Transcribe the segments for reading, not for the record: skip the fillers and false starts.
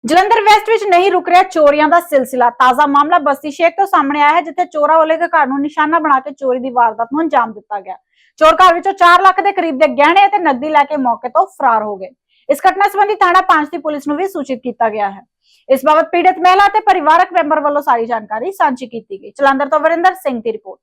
Jalandhar West ਵਿੱਚ ਨਹੀਂ ਰੁਕ ਰਿਹਾ ਚੋਰੀਆਂ ਦਾ ਸਿਲਸਿਲਾ। ਤਾਜ਼ਾ ਮਾਮਲਾ ਬਸਤੀ ਸ਼ੇਖ ਤੋਂ ਸਾਹਮਣੇ ਆਇਆ ਹੈ, ਜਿੱਥੇ ਚੋਰਾਂ ਵੱਲੋਂ ਇੱਕ ਘਰ ਨੂੰ ਨਿਸ਼ਾਨਾ ਬਣਾ ਕੇ ਚੋਰੀ ਦੀ ਵਾਰਦਾਤ ਨੂੰ ਅੰਜਾਮ ਦਿੱਤਾ ਗਿਆ। ਚੋਰ ਘਰ ਵਿੱਚੋਂ 4 ਲੱਖ ਦੇ ਕਰੀਬ ਦੇ ਗਹਿਣੇ ਅਤੇ ਨਕਦੀ ਲੈ ਕੇ ਮੌਕੇ ਤੋਂ ਫਰਾਰ ਹੋ ਗਏ। ਇਸ ਘਟਨਾ ਸੰਬੰਧੀ ਥਾਣਾ 5 ਦੀ ਪੁਲਿਸ ਨੂੰ ਵੀ ਸੂਚਿਤ ਕੀਤਾ ਗਿਆ ਹੈ। ਇਸ ਬਾਬਤ ਪੀੜਤ ਮਹਿਲਾ ਅਤੇ ਪਰਿਵਾਰਕ ਮੈਂਬਰ ਵੱਲੋਂ ਸਾਰੀ ਜਾਣਕਾਰੀ ਸਾਂਝੀ ਕੀਤੀ ਗਈ। ਜਲੰਧਰ ਤੋਂ ਵਰਿੰਦਰ ਸਿੰਘ ਦੀ ਰਿਪੋਰਟ।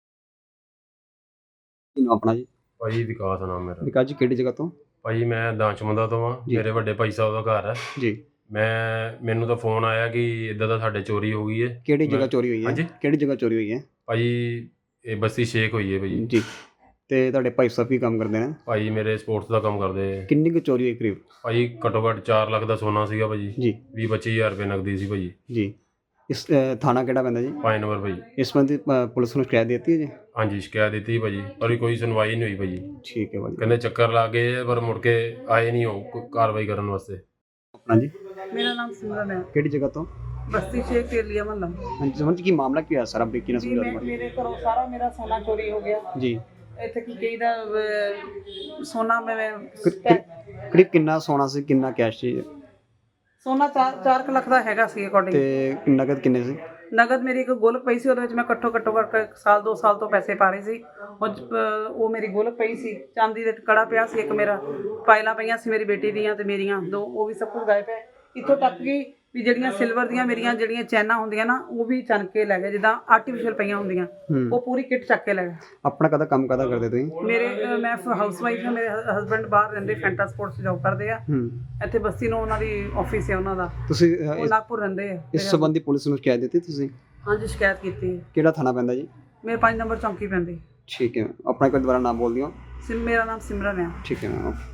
ਆਪਣਾ ਜੀ ਭਾਈ ਵਿਕਾਸ ਨਾਮ ਮੇਰਾ। ਵਿਕਾਸ ਜੀ ਕਿਹੜੀ ਜਗ੍ਹਾ ਤੋਂ? ਭਾਈ ਮੈਂ ਦਾਨਚਮੰਦਾ ਤੋਂ ਆ। ਮੇਰੇ ਵੱਡੇ ਭਾਈ ਸਾਹਿਬ ਦਾ ਘਰ ਹੈ ਜੀ। ਮੈਨੂੰ ਤਾਂ ਫੋਨ ਆਇਆ ਕਿ ਇਦਾਂ ਦਾ ਸਾਡੇ ਚੋਰੀ ਹੋ ਗਈ ਹੈ। ਕਿਹੜੀ ਜਗ੍ਹਾ ਚੋਰੀ ਹੋਈ ਹੈ? ਹਾਂਜੀ, ਕਿਹੜੀ ਜਗ੍ਹਾ ਚੋਰੀ ਹੋਈ ਹੈ? ਭਾਈ ਇਹ ਬਸਤੀ ਸ਼ੇਖ ਹੋਈ ਹੈ ਭਾਈ ਜੀ। ਤੇ ਤੁਹਾਡੇ ਭਾਈ ਸਾਹਿਬ ਕੀ ਕੰਮ ਕਰਦੇ ਨੇ? ਭਾਈ ਮੇਰੇ ਸਪੋਰਟਸ ਦਾ ਕੰਮ ਕਰਦੇ ਆ। ਕਿੰਨੀ ਕੁ ਚੋਰੀ ਹੋਈ ਕਰੀਬ? ਭਾਈ ਘੱਟੋ ਘੱਟ 4 ਲੱਖ ਦਾ ਸੋਨਾ ਸੀਗਾ ਭਾਜੀ ਜੀ। 20-25 ਹਜ਼ਾਰ ਰੁਪਏ ਨਕਦੀ ਸੀ ਭਾਜੀ ਜੀ। ਇਸ ਥਾਣਾ ਕਿਹੜਾ ਪੈਂਦਾ ਜੀ? 5 ਨੰਬਰ ਭਾਈ। ਇਸ ਸੰਬੰਧੀ ਪੁਲਿਸ ਨੂੰ ਸ਼ਿਕਾਇਤ ਦਿੱਤੀ ਹੈ ਜੀ? ਹਾਂਜੀ, ਸ਼ਿਕਾਇਤ ਦਿੱਤੀ ਭਾਜੀ, ਪਰ ਕੋਈ ਸੁਣਵਾਈ ਨਹੀਂ ਹੋਈ ਭਾਜੀ। ਠੀਕ ਹੈ ਭਾਜੀ। ਕਹਿੰਦੇ ਚੱਕਰ ਲਾ ਗਏ ਪਰ ਮੁੜ ਕੇ ਆਏ ਨਹੀਂ ਉਹ ਕਾਰਵਾਈ ਕਰਨ ਵਾਸਤੇ। ਆਪਣਾ ਜੀ? मेरा नाम सिमरन है। ਕਿਹੜੀ ਜਗ੍ਹਾ ਤੋਂ? बस्ती शेख तेलिया मोहल्ला। ਹਾਂਜੀ, ਸਮਝ ਕੀ ਮਾਮਲਾ ਕੀ ਹੋਇਆ ਸਾਰਾ ਬਰੀਕੀ ਨਾਲ जी ਸਮਝਾ मैं ਦਿਓ। मेरे घरों सारा मेरा सोना चोरी हो गया। ਜੀ। ਇੱਥੇ ਕੀ ਕਹੀਦਾ ਸੋਨਾ ਮੈਂ ਕਰੀਬ ਕਿੰਨਾ ਸੋਨਾ ਸੀ, ਕਿੰਨਾ ਕੈਸ਼ ਸੀ ਸੋਨਾ 4 ਲੱਖ ਦਾ ਹੈਗਾ ਸੀ ਅਕੋਰਡਿੰਗ। ਤੇ ਨਗਦ ਕਿੰਨੇ ਸੀ? ਨਗਦ ਮੇਰੀ ਇੱਕ ਗੁਲਕ ਪਈ ਸੀ, ਉਹਦੇ ਵਿੱਚ ਮੈਂ ਘੱਟੋ ਕਰਕੇ ਸਾਲ 2 ਸਾਲ ਤੋਂ ਪੈਸੇ ਪਾ ਰਹੀ ਸੀ। ਉਹ ਮੇਰੀ ਗੁਲਕ ਪਈ ਸੀ, ਚਾਂਦੀ ਦਾ ਕੜਾ ਪਿਆ ਸੀ, ਇੱਕ ਮੇਰਾ ਪਾਇਲਾਂ ਪਈਆਂ ਸੀ ਮੇਰੀ ਬੇਟੀ ਦੀਆਂ ਤੇ ਮੇਰੀਆਂ 2, ਉਹ ਵੀ ਸਭ ਕੁਝ ਗਾਇਬ ਹੈ। ਇੱਥੋਂ ਤੱਕ ਕਿ ਵੀ ਜਿਹੜੀਆਂ ਸਿਲਵਰ ਦੀਆਂ ਮੇਰੀਆਂ ਜਿਹੜੀਆਂ ਚੈਨਾਂ ਹੁੰਦੀਆਂ ਨਾ, ਉਹ ਵੀ ਚੰਨ ਕੇ ਲੈ ਗਏ, ਜਿੱਦਾਂ ਆਰਟੀਫੀਸ਼ੀਅਲ ਪਈਆਂ ਹੁੰਦੀਆਂ, ਉਹ ਪੂਰੀ ਕਿੱਟ ਚੱਕ ਕੇ ਲੈ ਗਏ। ਆਪਣਾ ਕਦਾ ਕੰਮ ਕਦਾ ਕਰਦੇ ਤੁਸੀਂ? ਮੈਂ ਹਾਊਸ ਵਾਈਫ ਹਾਂ। ਮੇਰੇ ਹਸਬੰਡ ਬਾਹਰ ਰਹਿੰਦੇ, ਫੈਂਟਾ ਸਪੋਰਟਸ ਜੌਬ ਕਰਦੇ ਆ। ਇੱਥੇ ਬਸਤੀ ਨੂੰ ਉਹਨਾਂ ਦੀ ਆਫਿਸ ਹੈ ਉਹਨਾਂ ਦਾ। ਤੁਸੀਂ ਉਹ ਨਾਗਪੁਰ ਰਹਿੰਦੇ ਆ। ਇਸ ਸੰਬੰਧੀ ਪੁਲਿਸ ਨੂੰ ਸ਼ਿਕਾਇਤ ਦਿੱਤੀ ਤੁਸੀਂ? ਹਾਂਜੀ, ਸ਼ਿਕਾਇਤ ਕੀਤੀ ਹੈ। ਕਿਹੜਾ ਥਾਣਾ ਪੈਂਦਾ ਜੀ? ਮੇਰੇ 5 ਨੰਬਰ ਚੌਂਕੀ ਪੈਂਦੀ। ਠੀਕ ਹੈ। ਆਪਣਾ ਇੱਕ ਦੁਬਾਰਾ ਨਾਮ ਬੋਲ ਦਿਓ। ਮੇਰਾ ਨਾਮ ਸਿਮਰਨ ਹੈ। ਠੀਕ ਹੈ।